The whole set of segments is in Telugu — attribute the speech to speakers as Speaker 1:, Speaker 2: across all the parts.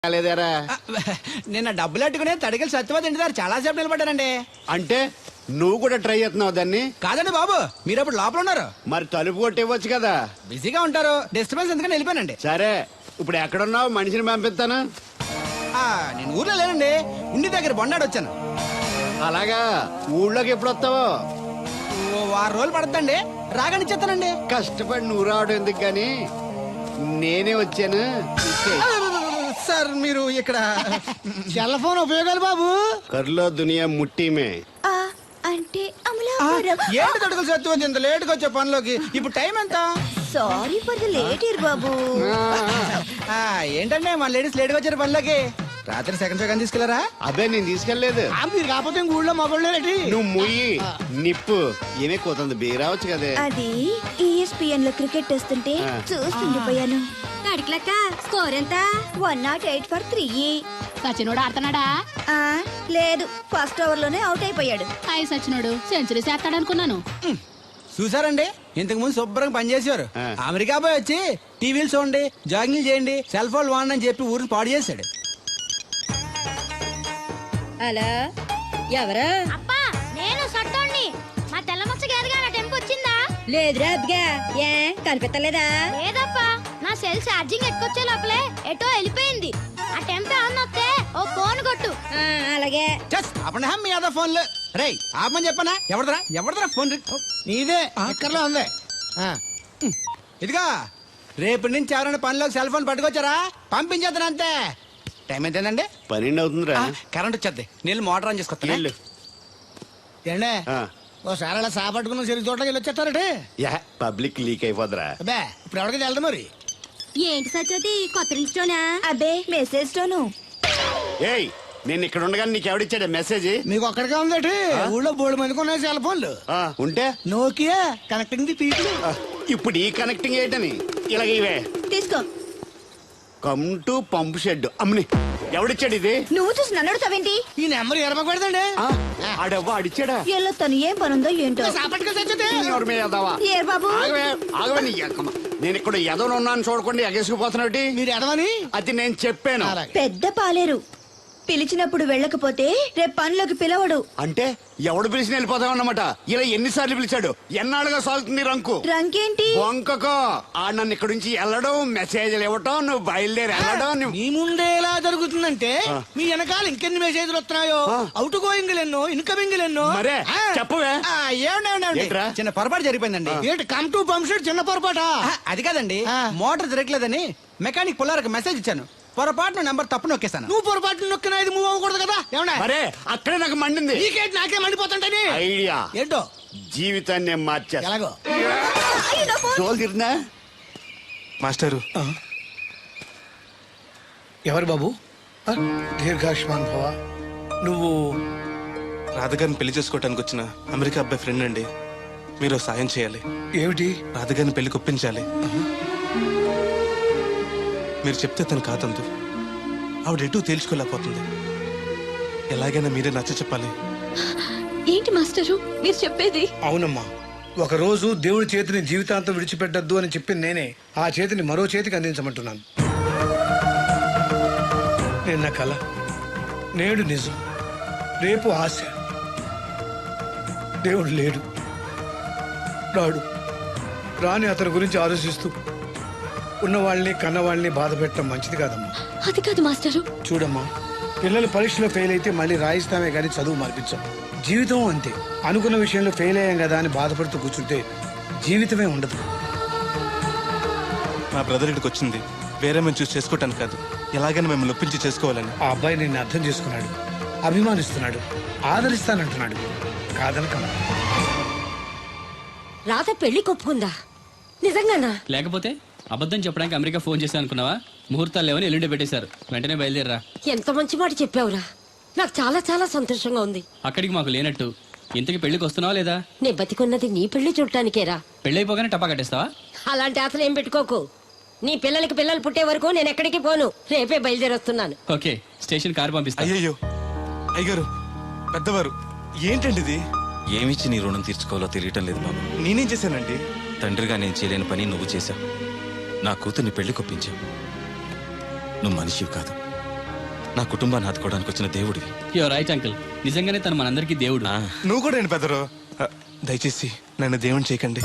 Speaker 1: లేదారా
Speaker 2: నిన్న డబ్బులు అట్టుకునే తడికలు సత్యవతి ఇంటి దగ్గర చాలా సేపు నిలబడ్డానండి.
Speaker 1: అంటే నువ్వు కూడా ట్రై చేస్తున్నావు దాన్ని?
Speaker 2: కాదండి బాబు, మీరు అప్పుడు లోపల ఉన్నారు.
Speaker 1: మరి తలుపు కొట్టి ఇవ్వచ్చు కదా.
Speaker 2: బిజీగా ఉంటారు, డిస్టర్బెన్స్ ఎందుకని వెళ్ళిపోయానండి.
Speaker 1: సరే ఇప్పుడు ఎక్కడున్నావు? మనిషిని పంపిస్తాను.
Speaker 2: నేను ఊర్లో లేనండి, ఉండి దగ్గర బొండాడు వచ్చాను.
Speaker 1: అలాగా, ఊళ్ళోకి ఎప్పుడు వస్తావో?
Speaker 2: ఓ 6 రోజులు పడుతుందండి, రాగానే చెప్తానండి.
Speaker 1: కష్టపడి నువ్వు రావడం ఎందుకు గాని నేనే వచ్చాను.
Speaker 2: సార్ మీరు ఇక్కడ
Speaker 3: సెల్ ఫోన్ ఉపయోగాలు బాబు.
Speaker 1: కర్లో దునియా ముట్టిమే
Speaker 4: అంటే అమలాపురం.
Speaker 2: ఏంటి తడుకలు సత్యవతి ఇంత లేటుగా వచ్చే పనిలోకి? ఇప్పుడు టైం ఎంత?
Speaker 4: Sorry for the late year బాబు.
Speaker 2: ఏంటంటే మన లేడీస్ లేటుగా వచ్చారు పనిలోకి. రాత్రి సెకండ్ సెకండ్ తీసుకెళ్లారా?
Speaker 1: అదే నేను తీసుకెళ్లేదు.
Speaker 3: మీరు కాకపోతే ఇంక ఊళ్ళో మగోళ్ళేటి.
Speaker 1: నువ్వు ముయ్యి నిప్పు ఏమే కోతుంది బీరావచ్చు కదే.
Speaker 4: అది ESPN లో క్రికెట్ టెస్తుంటే చూస్తుండిపోయాను.
Speaker 5: కడిక్లక్క స్కోర్ ఎంత?
Speaker 4: 108 for 3.
Speaker 5: సచినోడు ఆడుతున్నాడా?
Speaker 4: లేదు, ఫస్ట్ ఓవర్ లోనే అవుట్ అయిపోయాడు.
Speaker 5: హాయ్ సచినోడు సెంచరీ చేస్తాడనుకున్నాను.
Speaker 2: చూసారండి, ఇంతకు ముందు శుభ్రంగా పనిచేసేవారు. అమెరికా పోయి వచ్చి టీవీలు చూడండి, జాగింగ్ చేయండి, సెల్ ఫోన్ వాడండి అని చెప్పి ఊరిని పాడు చేశాడు.
Speaker 6: అలా ఎవరా?
Speaker 5: అబ్బా నేను సట్టోణ్ణి. మా తెల్లమచ్చ గారిగా నా టెంపు వచ్చిందా?
Speaker 6: లేదురా అబ్బగా, ఏ కనిపెట్టలేదా?
Speaker 5: లేదప్పా, నా సెల్ ఛార్జింగ్ ఎక్కొచ్చే లోపలే ఎటో వెళ్ళిపోయింది. ఆ టెంపు అన్నొస్తే ఓ ఫోన్ కొట్టు.
Speaker 6: అలాగే
Speaker 2: అప్పుడు మీ అదా ఫోన్లు రేయ్ ఆపమని చెప్పనా? ఎవరిదరా ఫోన్?
Speaker 3: నీదే ఎక్కర్లో ఉంది.
Speaker 2: ఇదిగా రేపటి నుంచి ఎవరైనా పనిలోకి సెల్ ఫోన్ పట్టుకొచ్చారా పంపించేద్దాను అంతే. టైం ఎంతేనండి?
Speaker 1: 12 అవుతుందిరా.
Speaker 2: కరెంట్ వచ్చేద్ది, నీళ్ళు మోటార్ ఆన్ చేసుకొస్తా.
Speaker 1: వెళ్ళు.
Speaker 3: ఏండే
Speaker 1: ఆ.
Speaker 3: ఓసారి అలా సాపట్టుకున్న సరి చోట్లకి వెళ్ళి వచ్చేస్తారటే.
Speaker 1: యా, పబ్లిక్ లీక్ అయిపోద్రా.
Speaker 3: అబ్బే ఇప్పుడు ఎవరికి వెళ్దాం మరి.
Speaker 5: ఏంటి సత్యవతి కొత్త రింగ్స్టోనా?
Speaker 4: అబ్బే మెసేజ్ తోను.
Speaker 1: ఏయ్, నేను ఇక్కడ ఉండగానే నీకు ఎవడిచ్చాడు మెసేజ్?
Speaker 3: మీకు ఒక్కడికే ఉందటి. ఊళ్ళో 3 మందికి ఉన్నాయి సెల్ ఫోన్లు.
Speaker 1: ఉంటే
Speaker 3: నోకియా కనెక్టింగ్ ది పీపుల్.
Speaker 1: ఇప్పుడు ఈ కనెక్టింగ్ ఏంటని ఇలాగ ఇవే.
Speaker 4: తీసుకో.
Speaker 1: Come to pump shed. అమ్మని ఎవడిచ్చాడు ఇది?
Speaker 4: నువ్వు చూసి నన్ను అడుగుతావేంటి?
Speaker 3: ఈ నెంబర్ ఎరమకూడదండి.
Speaker 1: ఆడవ్వ అడిచాడా?
Speaker 4: ఎల్లో తను ఏం పనుందో ఏంటో.
Speaker 3: సాపట్టుకు తెచ్చదే.
Speaker 1: ఎవరి మీద ఎదవా?
Speaker 4: ఏ బాబు,
Speaker 1: ఆగవే నీ ఎక్కమ్మ. నేను ఇక్కడ ఎదవనున్నాను చూడకుండా ఎగేసుకుపోతున్నాడు.
Speaker 3: మీరు ఎడవని
Speaker 1: అది నేను చెప్పాను.
Speaker 4: పెద్ద పాలేరు. పిలిచినప్పుడు వెళ్ళకపోతే రేపు పనిలోకి పిలవడు.
Speaker 1: అంటే ఎవడు పిలిచిన వెళ్ళిపోతావు అన్నమాట. ఇలా ఎన్నిసార్లు పిలిచాడు? ఎన్నాళ్ళుగా సాగుతుంది రంకు.
Speaker 4: రంకేంటి?
Speaker 1: వంకకో ఆ నన్ను ఇక్కడ నుంచి వెళ్ళడం, మెసేజ్లు ఇవ్వటం, నువ్వు బయలుదేరి వెళ్ళడం.
Speaker 3: మీ ముందే ఎలా జరుగుతుందంటే మీ వెనకాల ఇంకెన్ని మెసేజ్లు వస్తున్నాయో. అవుట్ గోయింగ్ ఎన్నో, ఇన్కమింగ్ ఎన్నో.
Speaker 1: మరే చెప్పవే.
Speaker 2: ఏంట్రా? చిన్న పొరపాటు జరిగిపోయిందండి.
Speaker 3: ఏంటి కమ్ టు పంప్ షెడ్ చిన్న పొరపాట?
Speaker 2: అది కాదండి, మోటార్ తిరగలేదని మెకానిక్ పుల్లారకు మెసేజ్ ఇచ్చాను. పొరపాటున నెంబర్ తప్పు నొక్కేశాను.
Speaker 3: నువ్వు పొరపాటు నొక్కినా ఇది మూవ్ అవ్వకూడదు కదా. ఏమన్నా
Speaker 1: మరే అక్కడే నాకు మండింది.
Speaker 3: నీకేంటి నాకే మండిపోతుంటని
Speaker 1: ఐడియా
Speaker 3: ఏంటో
Speaker 1: జీవితాన్ని మార్చేస్తా.
Speaker 3: ఎలాగో
Speaker 1: జోలు తిరిగినా
Speaker 7: మాస్టరు.
Speaker 3: ఎవరు బాబు? దీర్ఘాయుష్మాన్ భవ. నువ్వు
Speaker 7: రాధగారిని పెళ్లి చేసుకోవటానికి వచ్చిన అమెరికా అబ్బాయి ఫ్రెండ్ అండి. మీరు సాయం చేయాలి.
Speaker 3: ఏమిటి?
Speaker 7: రాధగారిని పెళ్లికి ఒప్పించాలి. మీరు చెప్తే తను కాదందు. ఆవిడ ఎటూ తేల్చుకోలేకపోతుంది. ఎలాగైనా మీరే నచ్చ చెప్పాలి.
Speaker 5: ఏంటి మాస్టరు మీరు చెప్పేది?
Speaker 3: అవునమ్మా, ఒక రోజు దేవుడి చేతిని జీవితాంతం విడిచిపెట్టద్దు అని చెప్పింది నేనే. ఆ చేతిని మరో చేతికి అందించమంటున్నాను. నిన్న కల, నేడు నిజం, రేపు ఆశ. దేవుడు లేడు, రాడు. రాని అతని గురించి ఆలోచిస్తూ ఉన్నవాళ్ళని కన్నవాళ్ళని బాధ పెట్టడం మంచిది కాదమ్మా.
Speaker 5: అది కాదు మాస్టరు.
Speaker 3: చూడమ్మా, పిల్లలు పరీక్షలో ఫెయిల్ అయితే మళ్ళీ రాయిస్తామే కానీ చదువు మార్పించాం. జీవితం అంతే. అనుకున్న విషయంలో ఫెయిల్ అయ్యాం కదా అని బాధపడుతూ కూర్చుంటే జీవితమే ఉండదు.
Speaker 7: మా బ్రదర్ ఇక్కడికి వచ్చింది వేరే మేము చూసి చేసుకోవటానికి కాదు, ఎలాగైనా మిమ్మల్ని ఒప్పించి చేసుకోవాలని.
Speaker 3: ఆ అబ్బాయి నిన్ను అర్థం చేసుకున్నాడు, అభిమానిస్తున్నాడు, ఆదరిస్తానంటున్నాడు. కాదనకమ్మా.
Speaker 6: రాత పెళ్లి కొప్పుకుందా? నిజంగానా?
Speaker 8: లేకపోతే అబద్ధం చెప్పడానికి అమెరికా ఫోన్ చేశాను అనుకున్నావా? ముహూర్తాలు లేవని ఎల్లుండి పెట్టేశారు. వెంటనే బయలుదేరరా.
Speaker 6: ఎంత మంచి మాట చెప్పావురా. నాకు చాలా చాలా సంతోషంగా ఉంది.
Speaker 8: అక్కడికి మాకు లేనట్టు ఇంతకి పెళ్లికి వస్తున్నావా లేదా?
Speaker 6: నే బతికున్నది నీ పెళ్లి చూడటానికేరా.
Speaker 8: పెళ్ళైపోగానే టపా కట్టేస్తావా?
Speaker 6: అలాంటి ఆశలు ఏం పెట్టుకోకు. నీ పిల్లలకి పిల్లలు పుట్టే వరకు నేను ఎక్కడికి పోను. రేపే బయలుదేరొస్తున్నాను.
Speaker 8: ఓకే, స్టేషన్ కారు పంపిస్తా.
Speaker 7: అయ్యయ్యో అయ్యగారు, పెద్దవారు, ఏంటండి ఇది?
Speaker 9: ఏమిచ్చి నీ రుణం తీర్చుకోవాలో తెలియటం లేదు బాబు.
Speaker 7: నేనేం చేశానండి?
Speaker 9: తండ్రిగా నేను చేయలేని పని నువ్వు చేశావు. నా కూతుర్ని పెళ్లి కొప్పించావు. నువ్వు మనిషివి కాదు, నా కుటుంబాన్ని ఆదుకోవడానికి వచ్చిన దేవుడివి.
Speaker 8: యువర్ రైట్ అంకుల్, నిజంగానే తను మనందరికీ దేవుడు.
Speaker 9: ఆ,
Speaker 7: నువ్వు కూడా ఏంటి పెద్దరు? దయచేసి నన్ను దేవుని చేయకండి.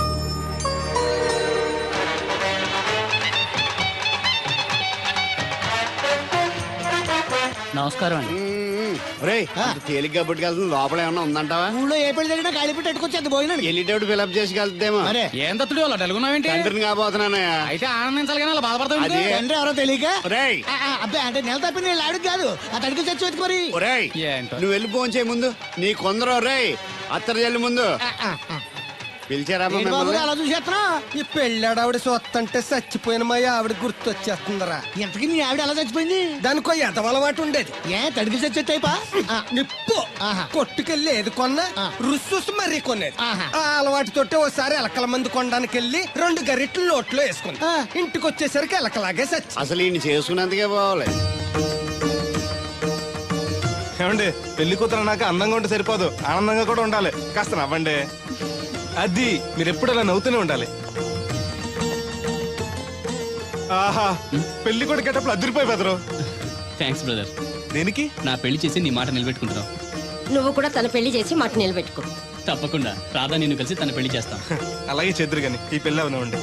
Speaker 8: నమస్కారం అండి.
Speaker 1: రే తేలిగ్గా పుట్టుకెళ్తుంది, లోపల ఏమన్నా ఉందంటావా?
Speaker 2: ఊళ్ళో ఏ పెళ్లి జరిగినా కాళీ పెట్టి ఎట్టుకొచ్చేది భోజనం.
Speaker 1: వెళ్ళేటప్పుడు ఫిలప్ చేసి వెళ్తేమో.
Speaker 8: ఏం తత్తుడు అలా తెలుగున్నావేంటి?
Speaker 1: తండ్రిని కాబోతున్నానయ్యా.
Speaker 8: అయితే ఆనందించాలి కానీ అలా బాధపడతావు.
Speaker 1: అదే.
Speaker 2: తండ్రి ఎవరో తెలియక
Speaker 1: ఒరేయ్
Speaker 2: అబ్బాయి అంటే నెల తప్పింది వీళ్ళు ఆవిడకి కాదు ఆ తడికి చచ్చి వెతుకోరి.
Speaker 1: ఒరేయ్
Speaker 8: ఏంటో.
Speaker 1: నువ్వు వెళ్ళి ఫోన్ చేయ ముందు. నీ కొందరు రేయ్ అత్తరు చెల్లి ముందు పిలిచారా
Speaker 2: ఏంటి బాబు అలా చూసేస్తున్నా?
Speaker 10: ఈ పెళ్ళాడావిడ సొత్తంటే చచ్చిపోయిన మా ఆవిడ గుర్తొచ్చేస్తుందరా.
Speaker 2: ఇంతకీ మీ ఆవిడ ఎలా చచ్చిపోయింది?
Speaker 10: దానికో ఎంత అలవాటు ఉండేది.
Speaker 2: ఏ తడికి చచ్చి టైపా?
Speaker 10: నిప్పు కొట్టుకెళ్ళి ఏది కొన్నా రుస్సుస్ మరీ కొనేది.
Speaker 2: ఆహా.
Speaker 10: ఆ అలవాటు తోటే ఓసారి ఎలకల మందు కొనడానికి వెళ్ళి 2 గరిట్లు నోట్లో వేసుకుంది. ఇంటికి వచ్చేసరికి ఎలకలాగే చచ్చి.
Speaker 1: అసలు ఈయన చేసుకున్నందుకే పోవాలి.
Speaker 7: ఏమండి, పెళ్లి కూతురు నాకు అందంగా ఉంటే సరిపోదు, ఆనందంగా కూడా ఉండాలి. కాస్త నవ్వండి. అది మీరు ఎప్పుడు అలా నవ్వుతూనే ఉండాలి. ఆహా, పెళ్లి కూడా గెటప్పుడు అదిరిపోయి బెదరు.
Speaker 8: Thanks brother.
Speaker 7: దేనికి?
Speaker 8: నా పెళ్లి చేసి నీ మాట నిలబెట్టుకుంటున్నావు.
Speaker 6: నువ్వు కూడా తన పెళ్లి చేసి మాట నిలబెట్టుకో.
Speaker 8: తప్పకుండా రాధా నిన్ను కలిసి తన పెళ్లి చేస్తాం.
Speaker 7: అలాగే చెద్దురు గాని ఈ పెళ్లి అవనివ్వండి.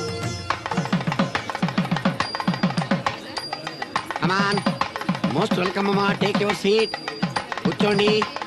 Speaker 1: అమాన్ మోస్ట్ వెల్కమ్ అమ్మా, టేక్ యువర్ సీట్, కూర్చోండి.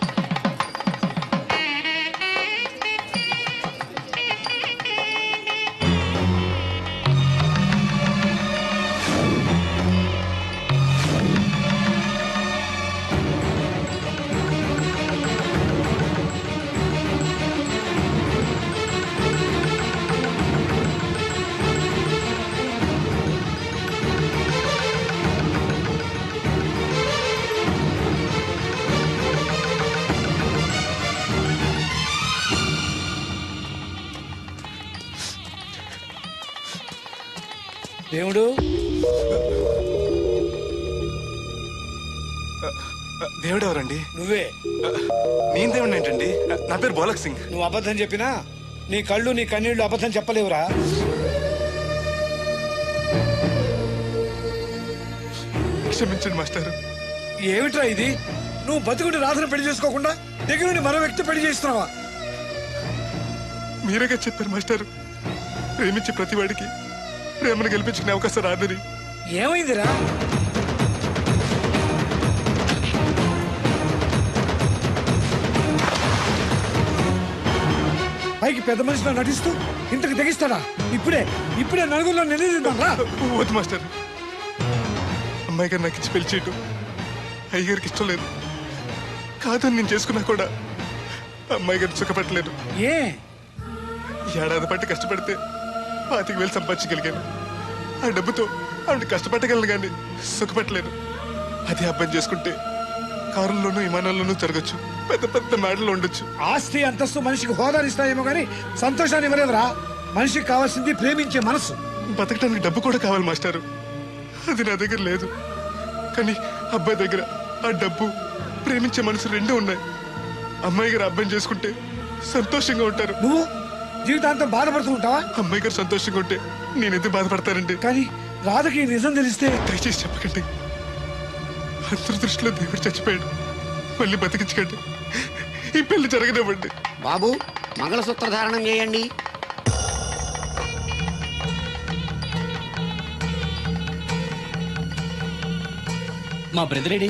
Speaker 3: దేవుడు
Speaker 7: దేవుడు ఎవరండి?
Speaker 3: నువ్వే.
Speaker 7: నేను దేవుడు ఏంటండి? నా పేరు బోలక్ సింగ్.
Speaker 3: నువ్వు అబద్ధం చెప్పినా నీ కళ్ళు నీ కన్నీళ్లు అబద్ధం చెప్పలేవురా.
Speaker 7: క్షమించండి మాస్టర్.
Speaker 3: ఏమిట్రా ఇది? నువ్వు బతుకుంటే రాధను పెళ్లి చేసుకోకుండా దగ్గర నుండి మరో వ్యక్తి పెళ్లి చేస్తున్నావా?
Speaker 7: మీరేగా చెప్పారు మాస్టర్, ప్రేమించే ప్రతివాడికి ప్రేమను గెలిపించుకునే అవకాశం రాదని.
Speaker 3: ఏమైందిరా? పైకి పెద్ద మనిషిలో నటిస్తూ ఇంతకు తెగిస్తాడా? ఇప్పుడే నలుగురిలో నిలదీద్దాం రా.
Speaker 7: వద్దు మాస్టర్, అమ్మాయి గారు నాకు ఇచ్చి పెళ్లి చేయటం అయ్యగారికి ఇష్టం లేదు. కాదని నేను చేసుకున్నా కూడా అమ్మాయి గారిని సుఖపెట్టలేదు.
Speaker 3: ఏ
Speaker 7: ఏడాది పట్టి కష్టపడితే 25,000 సంపాదించగలిగాను. ఆ డబ్బుతో ఆవిడ కష్టపట్టగలను కానీ సుఖపెట్టలేను. అదే అబ్బాయి చేసుకుంటే కారుల్లోనూ విమానాల్లోనూ తిరగచ్చు, పెద్ద పెద్ద మేడల్లో ఉండొచ్చు.
Speaker 3: ఆస్తి అంతస్తు మనిషికి హోదానిస్తాయేమో కానీ సంతోషాన్ని ఇవ్వలేదురా. మనిషికి కావాల్సింది ప్రేమించే మనసు.
Speaker 7: బతకడానికి డబ్బు కూడా కావాలి మాస్టారు, అది నా దగ్గర లేదు. కానీ అబ్బాయి దగ్గర ఆ డబ్బు, ప్రేమించే మనసు రెండూ ఉన్నాయి. అమ్మాయి గారు అబ్బాయిని చేసుకుంటే సంతోషంగా ఉంటారు.
Speaker 3: నువ్వు జీవితాంతం బాధపడుతూ ఉంటావా?
Speaker 7: అమ్మాయి గారు సంతోషంగా ఉంటే నేనెందుకు బాధపడతానండి?
Speaker 3: కానీ రాధకి ఈ నిజం తెలిస్తే
Speaker 7: దయచేసి చెప్పకండి. అందరి దృష్టిలో దేవుడు చచ్చిపోయాడు, మళ్ళీ బతికించకండి. ఈ పెళ్లి జరగనివ్వండి.
Speaker 1: బాబు మంగళసూత్ర ధారణం చేయండి.
Speaker 8: మా బ్రదర్ ఏడి?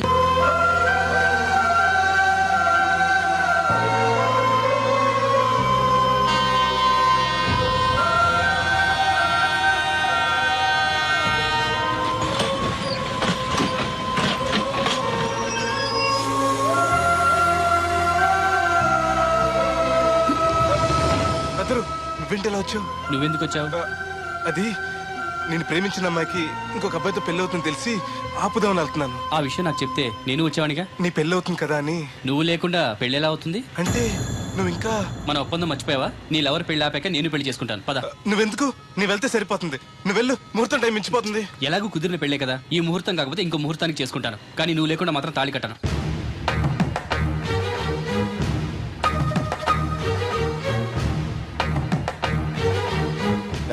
Speaker 7: అతను నువ్వేంటి ఎలా వచ్చావు?
Speaker 8: నువ్వెందుకు వచ్చావు?
Speaker 7: అది నేను ప్రేమించిన అమ్మాయికి ఇంకొక అబ్బాయితో పెళ్లి అవుతుందని తెలిసి ఆపుదామని వెళ్తున్నాను.
Speaker 8: ఆ విషయం నాకు చెప్తే నేను వచ్చావనిగా.
Speaker 7: నీ పెళ్లి అవుతుంది కదా అని.
Speaker 8: నువ్వు లేకుండా పెళ్లి ఎలా అవుతుంది?
Speaker 7: అంటే నువ్వు ఇంకా
Speaker 8: మన ఒప్పందం మర్చిపోయావా? నీ లవర్ పెళ్లి ఆపాక నేను పెళ్లి చేసుకుంటాను. పద.
Speaker 7: నువ్వెందుకు? నీ వెళ్తే సరిపోతుంది. నువ్వు వెళ్ళు, ముహూర్తం టైం మించిపోతుంది.
Speaker 8: ఎలాగూ కుదిరిన పెళ్లే కదా, ఈ ముహూర్తం కాకపోతే ఇంకో ముహూర్తానికి చేసుకుంటాను. కానీ నువ్వు లేకుండా మాత్రం తాళి కట్టను.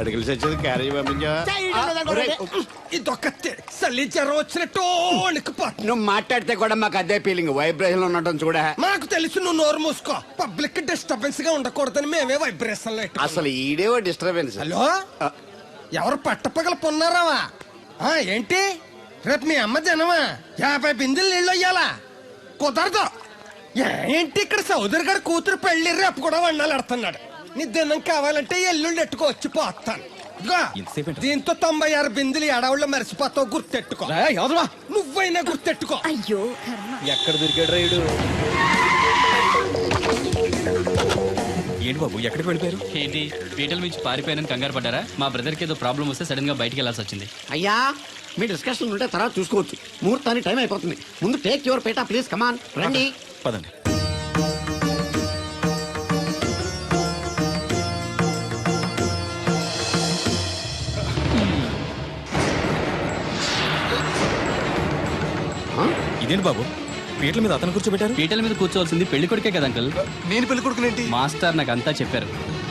Speaker 1: అడిగిలి సచ్చేది క్యారేజ్ పంపించావా
Speaker 10: ఇదొక చలి జ్వరం వచ్చినట్టు వణికిపోతుంది.
Speaker 1: నువ్వు మాట్లాడితే కూడా మాకు అదే ఫీలింగ్ వైబ్రేషన్ ఉండటం చూడ.
Speaker 10: మాకు తెలుసు, నువ్వు నోరు మూసుకో. పబ్లిక్ డిస్టర్బెన్స్ గా ఉండకూడదని మేమే వైబ్రేషన్ లో
Speaker 1: అసలు ఈడేవో డిస్టర్బెన్స్.
Speaker 10: హలో, ఎవరు పట్టపగల పొన్నారావా? ఏంటి రేపు మీ అమ్మ జనమా 50 బిందెలు నీళ్ళు అయ్యాలా? కుదరదు. ఏంటి ఇక్కడ సోదరి గారు కూతురు పెళ్లి రేపు కూడా వండాలి ఆడుతున్నాడు. నీ దినం కావాలంటే ఎల్లుండి ఎట్టుకో వచ్చి పోతాను. దీంతో 96 బిందెలు ఎడవుల్లో మరిచిపోతావు, గుర్తెట్టుకో. నువ్వైనా గుర్తెట్టుకో.
Speaker 4: అయ్యో
Speaker 9: ఎక్కడ దొరికాడు రైడు? ఏంటి బాబు, ఎక్కడికి వెళ్ళిపోయారు?
Speaker 8: ఏంటి పీటల నుంచి పారిపోయానని కంగారు పడ్డారా? మా బ్రదర్కి ఏదో ప్రాబ్లం వస్తే సడన్ గా బయటికి వెళ్ళాల్సి వచ్చింది.
Speaker 1: అయ్యా మీ డిస్కషన్ ఉంటే తర్వాత చూసుకోవచ్చు. ముహూర్తానికి టైం అయిపోతుంది. ముందు టేక్ యువర్ పేట ప్లీజ్. కమాన్ రండి.
Speaker 9: పదండి. ఇదేంటి బాబు, పీటల మీద అతను కూర్చోబెట్టారు?
Speaker 8: పీటల మీద కూర్చోవాల్సింది పెళ్లి కొడుకే కదా అంకుల్.
Speaker 7: నేను పెళ్లి కొడుకునేంటి?
Speaker 8: మాస్టర్ నాకు అంతా చెప్పారు.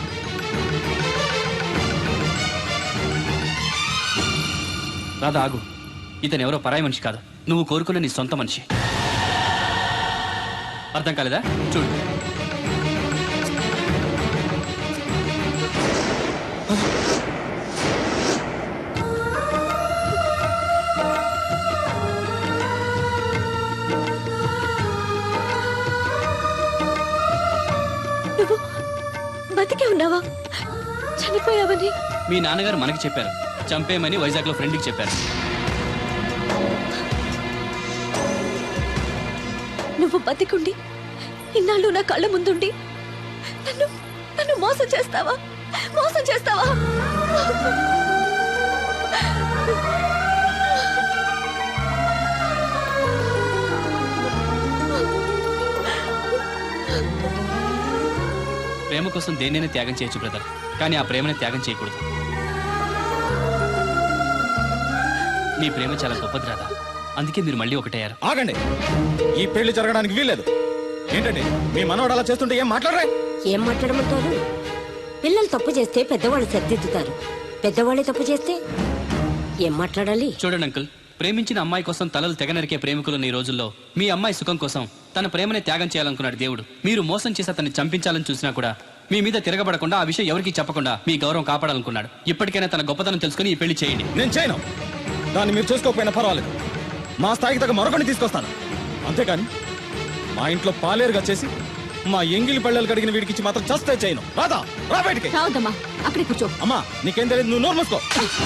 Speaker 8: రాధా ఆగు, ఇతను ఎవరో పరాయి మనిషి కాదు, నువ్వు కోరుకున్న నీ సొంత మనిషి. అర్థం కాలేదా? చూడు.
Speaker 4: నువ్వు బతికే ఉన్నావా? చనిపోయావని
Speaker 8: మీ నాన్నగారు మనకి చెప్పారు, చంపేయమని వైజాగ్ లో ఫ్రెండ్కి చెప్పారు.
Speaker 4: నువ్వు బతికుండి ఇన్నాళ్ళు నా కళ్ళ ముందుండి నన్ను నన్ను మోసం చేస్తావా? మోసం చేస్తావా?
Speaker 8: ప్రేమ కోసం దేన్నైనా త్యాగం చేయొచ్చు బ్రదర్, కానీ ఆ ప్రేమని త్యాగం చేయకూడదు. నీ ప్రేమ చాలా గొప్పది రాదా, అందుకే మీరు మళ్ళీ ఒకటయ్యారు.
Speaker 9: ఆగండి, ఈ పెళ్లి జరగడానికి వీల్లేదు. ఏంటండి మీ మనవడు అలా చేస్తుంటే ఏం మాట్లాడరా?
Speaker 6: ఏం మాట్లాడమంటారు? పిల్లలు తప్పు చేస్తే పెద్దవాళ్ళు సర్దిద్దుతారు, పెద్దవాళ్ళే తప్పు చేస్తే ఏం మాట్లాడాలి?
Speaker 8: చూడండి అంకుల్, ప్రేమించిన అమ్మాయి కోసం తలలు తెగనరికే ప్రేమికులున్న ఈ రోజుల్లో మీ అమ్మాయి సుఖం కోసం తన ప్రేమనే త్యాగం చేయాలనుకున్నాడు దేవుడు. మీరు మోసం చేసి అతన్ని చంపించాలని చూసినా కూడా మీ మీద తిరగబడకుండా ఆ విషయం ఎవరికి చెప్పకుండా మీ గౌరవం కాపాడాలనుకున్నాడు. ఇప్పటికైనా తన గొప్పతనం తెలుసుకుని ఈ పెళ్లి చేయండి.
Speaker 9: నేను చేయను. దాన్ని మీరు చేసుకోకపోయినా పర్వాలేదు, మా స్థాయికి తగ్గ మరొకటి తీసుకొస్తాను. అంతేకాని మా ఇంట్లో పాలేరుగా చేసి మా ఎంగిలి పళ్ళలు కడిగిన వీడికి మాత్రం చస్తే చేయను. రాదా, రా బయటికి.
Speaker 4: రావద్దమ్మా, అక్కడే కూర్చో.
Speaker 9: అమ్మా నీకేం తెలియదు, నువ్వు నోరు మూసుకో.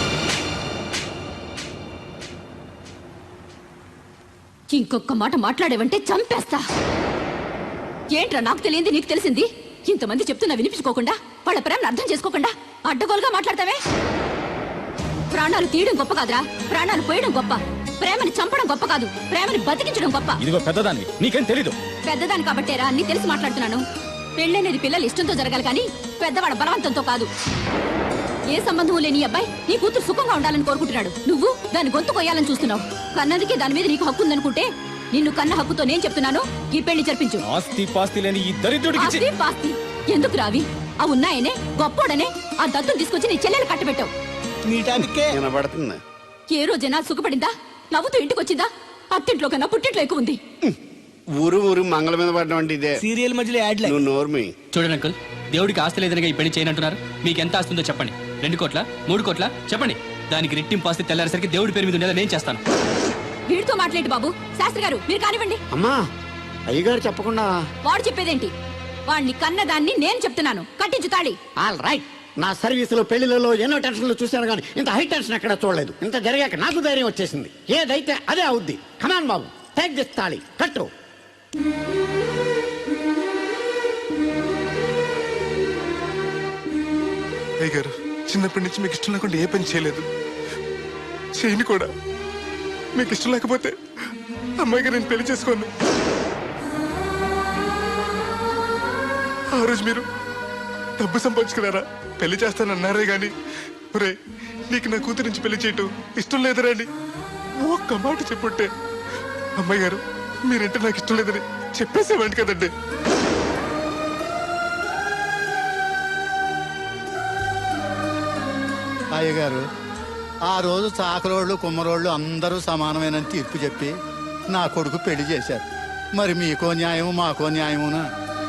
Speaker 4: ఇంకొక మాట మాట్లాడేవంటే చంపేస్తా. ఏంట్రా నాకు తెలియంది నీకు తెలిసింది? ఇంతమంది చెప్తున్నా వినిపించుకోకుండా, వాళ్ళ ప్రేమను అర్థం చేసుకోకుండా అడ్డగోలుగా మాట్లాడతావే. ప్రాణాలు తీయడం గొప్ప కాదురా, ప్రాణాలు పోయడం గొప్ప. ప్రేమని చంపడం గొప్ప కాదు, ప్రేమని బతికించడం గొప్ప.
Speaker 9: ఇదిగో పెద్దదాన్ని, నీకేం తెలీదు.
Speaker 4: పెద్దదాని కాబట్టేరా అన్ని తెలిసి మాట్లాడుతున్నాను. పెళ్ళనేది పిల్లలు ఇష్టంతో జరగాలి కానీ పెద్దవాడ బలవంతంతో కాదు. ఏ సంబంధం లేని అబ్బాయి నీ కూతురు సుఖంగా ఉండాలని కోరుకుంటున్నాడు. నువ్వు దాని గొంతు కొయ్యాలని చూస్తున్నావు. కన్నదికే దాని మీద నీకు హక్కు ఉందనుకుంటే నిన్ను కన్న హక్కుతో నేను చెప్తున్నాను, ఈ పెళ్లి జరిపించు.
Speaker 9: ఆస్తి పాస్తి లేని ఈ దరిద్రుడికి
Speaker 4: ఆస్తి పాస్తి ఎందుకు రావి? ఆ ఉన్నాయనే గొప్పోడనే ఆ దత్తుని తీసుకొచ్చి నీ చెల్లెలు కట్టబెట్టావు.
Speaker 1: వినబడుతుంది.
Speaker 4: ఏ రోజైనా సుఖపడిందా? నవ్వుతూ ఇంటికి వచ్చిందా? అత్తింట్లో కన్నా పుట్టింట్లో ఎక్కువ ఉంది.
Speaker 1: ఊరు ఊరు మంగళ మీద పడడం అంటే ఇదే.
Speaker 2: సీరియల్ మధ్యలో యాడ్
Speaker 1: నువ్వు నోర్మి.
Speaker 8: చూడండి అంకుల్, దేవుడికి ఆస్తి లేదనగా ఈ పెళ్లి చేయనంటున్నారు. మీకు ఎంత ఆస్తుందో చెప్పండి. 2 కోట్ల 3 కోట్ల చెప్పండి. దానికి రెట్టింపు ఆస్తి తెల్లారేసరికి దేవుడి పేరు మీద ఉండేలా నేను చేస్తాను.
Speaker 4: వీడితో మాట్లాడి బాబు. శాస్త్రి గారు మీరు కానివ్వండి.
Speaker 1: అమ్మా అయ్యగారు చెప్పకుండా
Speaker 4: వాడు చెప్పేదేంటి? వాడిని కన్నదాన్ని నేను చెప్తున్నాను, కట్టించు తాళి.
Speaker 1: All right. నా సర్వీసులో పెళ్లిలలో ఎన్నో టెన్షన్లు చూశాను కానీ ఇంత హై టెన్షన్ ఎక్కడ చూడలేదు. ఇంత జరిగాక నాకు ధైర్యం వచ్చేసింది. ఏదైతే అదే అవుద్ది. కమాన్ బాబు, టేక్ దిస్ తాళి, కట్టు.
Speaker 7: అయ్య గారు, చిన్నప్పటి నుంచి మీకు ఇష్టం లేకుండా ఏ పని చేయలేదు, చేయని కూడా. మీకు ఇష్టం లేకపోతే అమ్మాయి గారు నేను పెళ్లి చేసుకోను. ఆ రోజు మీరు డబ్బు సంపాదించుకున్నారా, పెళ్లి చేస్తానన్నారే గాని ఒరే నీకు నా కూతురు నుంచి పెళ్లి చేయటం ఇష్టం లేదరా అని ఒక్క మాట చెప్పుంటే అమ్మాయి గారు మీరంటే నాకు ఇష్టం లేదని చెప్పేసేవాడి కదండి.
Speaker 11: అయ్యగారు ఆ రోజు చాకరోళ్ళు కుమ్మరోళ్ళు అందరూ సమానమేనని తీర్పు చెప్పి నా కొడుకు పెళ్లి చేశారు. మరి మీకో న్యాయము మాకో న్యాయమునా?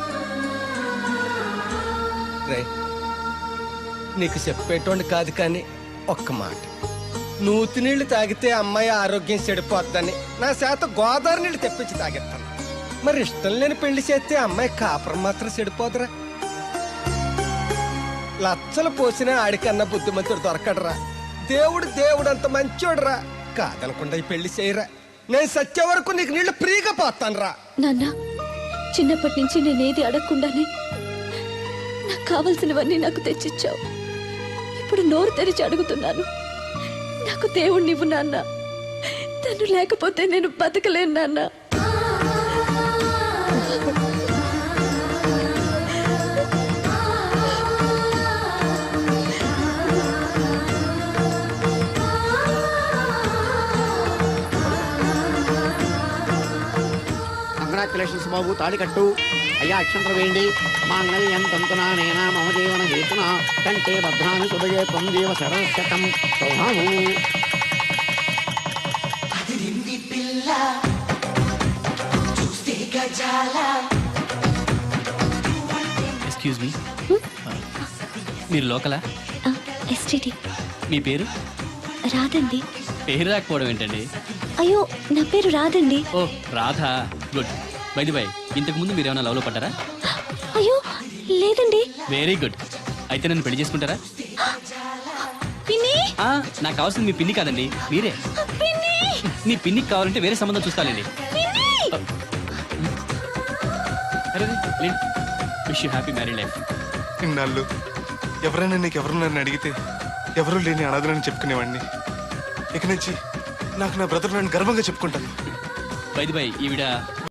Speaker 10: రే నీకు చెప్పేటోండి కాదు కానీ ఒక్క మాట, నూతి నీళ్లు తాగితే అమ్మాయి ఆరోగ్యం చెడిపోద్దని నా చేత గోదావరి నీళ్లు తెప్పించి తాగిస్తాను. మరి ఇష్టం లేని పెళ్లి చేస్తే అమ్మాయి కాపురం మాత్రం చెడిపోదురా. లచ్చలు పోసినా ఆడికన్నా బుద్ధిమంతుడు దొరకడరా. దేవుడు అంత మంచోడురా. కాదనకుండా ఈ పెళ్లి చేయరా. నేను సచ్చే వరకు నీకు నీళ్లు ఫ్రీగా పోతాను రా.
Speaker 4: నాన్న, చిన్నప్పటి నుంచి నేనేది అడగకుండానే నాకు కావలసినవన్నీ నాకు తెచ్చిచ్చావు. ఇప్పుడు నోరు తెరిచి అడుగుతున్నాను, నాకు దేవుణ్ణి ఇవ్వు నాన్న. తను లేకపోతే నేను బతకలేను నాన్న.
Speaker 1: కంగ్రాచులేషన్స్ బాబు, తాళి కట్టు. అయ్యా అక్షంతలు వేయండి. మాంగళ్యం తంతునా నేనా మమ జీవన హేతున కంటే భద్రాన్ని శుభయే పొందేవ శరశతం సౌభాము.
Speaker 8: ఎక్స్క్యూజ్ మీ, మీరు లోకలా?
Speaker 4: ఎస్టీడీ.
Speaker 8: మీ పేరు?
Speaker 4: రాదండి.
Speaker 8: పేరు రాకపోవడం ఏంటండి?
Speaker 4: అయ్యో, నా పేరు రాదండి.
Speaker 8: ఓ Radha, good. By the by, ఇంతకు ముందు మీరు ఏమైనా లవ్లో పడ్డారా?
Speaker 4: అయ్యో లేదండి.
Speaker 8: Very good. అయితే నన్ను పెళ్లి చేసుకుంటారా?
Speaker 4: పిన్ని,
Speaker 8: నాకు కావాల్సింది మీ పిన్ని కాదండి, మీరే.
Speaker 4: పిన్ని,
Speaker 8: మీ పిన్నికి కావాలంటే వేరే సంబంధం చూస్తానండి. Wish you happy married life.
Speaker 7: ఇన్నాళ్ళు ఎవరైనా నీకెవరు నన్ను అడిగితే ఎవరూ లేని అనాథనని చెప్పుకునేవాడిని. ఇక నుంచి నాకు నా బ్రదర్ నన్ను గర్వంగా చెప్పుకుంటాను.
Speaker 8: బై ది బై, ఈవిడ